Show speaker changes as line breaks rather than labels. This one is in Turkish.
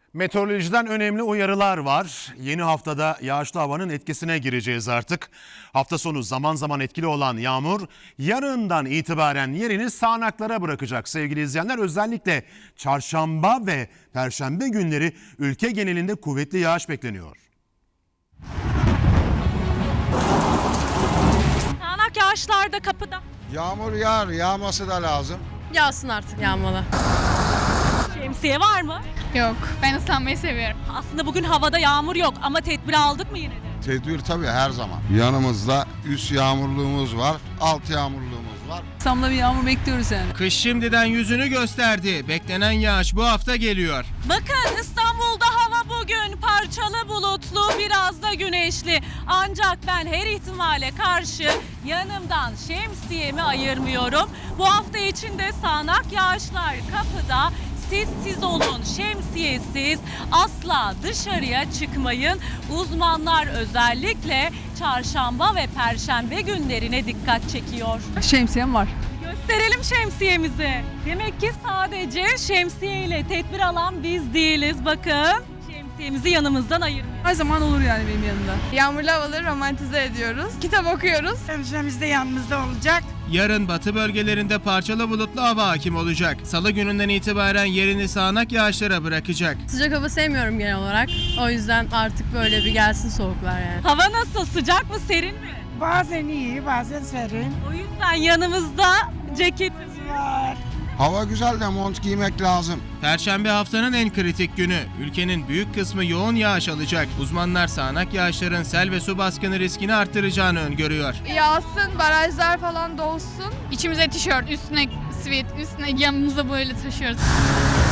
Meteorolojiden önemli uyarılar var. Yeni haftada yağışlı havanın etkisine gireceğiz artık. Hafta sonu zaman zaman etkili olan yağmur yarından itibaren yerini sağanaklara bırakacak sevgili izleyenler. Özellikle çarşamba ve perşembe günleri ülke genelinde kuvvetli yağış bekleniyor.
Sağanak yağışlar da kapıda.
Yağmur yağar, yağması da lazım.
Yağsın artık yağmalı.
Şemsiye var mı?
Yok, ben ıslanmayı seviyorum.
Aslında bugün havada yağmur yok ama tedbir aldık mı yine de?
Tedbir tabii her zaman. Yanımızda üst yağmurluğumuz var, alt yağmurluğumuz var.
Samla bir yağmur bekliyoruz yani.
Kış şimdiden yüzünü gösterdi. Beklenen yağış bu hafta geliyor.
Bakın İstanbul'da hava bugün parçalı bulutlu, biraz da güneşli. Ancak ben her ihtimale karşı yanımdan şemsiyemi ayırmıyorum. Bu hafta içinde sağanak yağışlar kapıda. Siz olun, şemsiyesiz asla dışarıya çıkmayın. Uzmanlar özellikle çarşamba ve perşembe günlerine dikkat çekiyor.
Şemsiyem var.
Gösterelim şemsiyemizi. Demek ki sadece şemsiye ile tedbir alan biz değiliz. Bakın şemsiyemizi yanımızdan ayırmıyoruz.
Her zaman olur yani benim yanımda.
Yağmurlu havaları romantize ediyoruz. Kitap okuyoruz.
Şemsiyemiz de yanımızda olacak.
Yarın batı bölgelerinde parçalı bulutlu hava hakim olacak. Salı gününden itibaren yerini sağanak yağışlara bırakacak.
Sıcak hava sevmiyorum genel olarak. O yüzden artık böyle bir gelsin soğuklar yani.
Hava nasıl? Sıcak mı, serin mi?
Bazen iyi, bazen serin.
O yüzden yanımızda ceketimiz
Var.
Hava güzel de mont giymek lazım.
Perşembe haftanın en kritik günü. Ülkenin büyük kısmı yoğun yağış alacak. Uzmanlar sağanak yağışların sel ve su baskını riskini arttıracağını öngörüyor.
Yağsın, barajlar falan dolsun. İçimize tişört, üstüne sweat, üstüne yanımıza böyle taşıyoruz.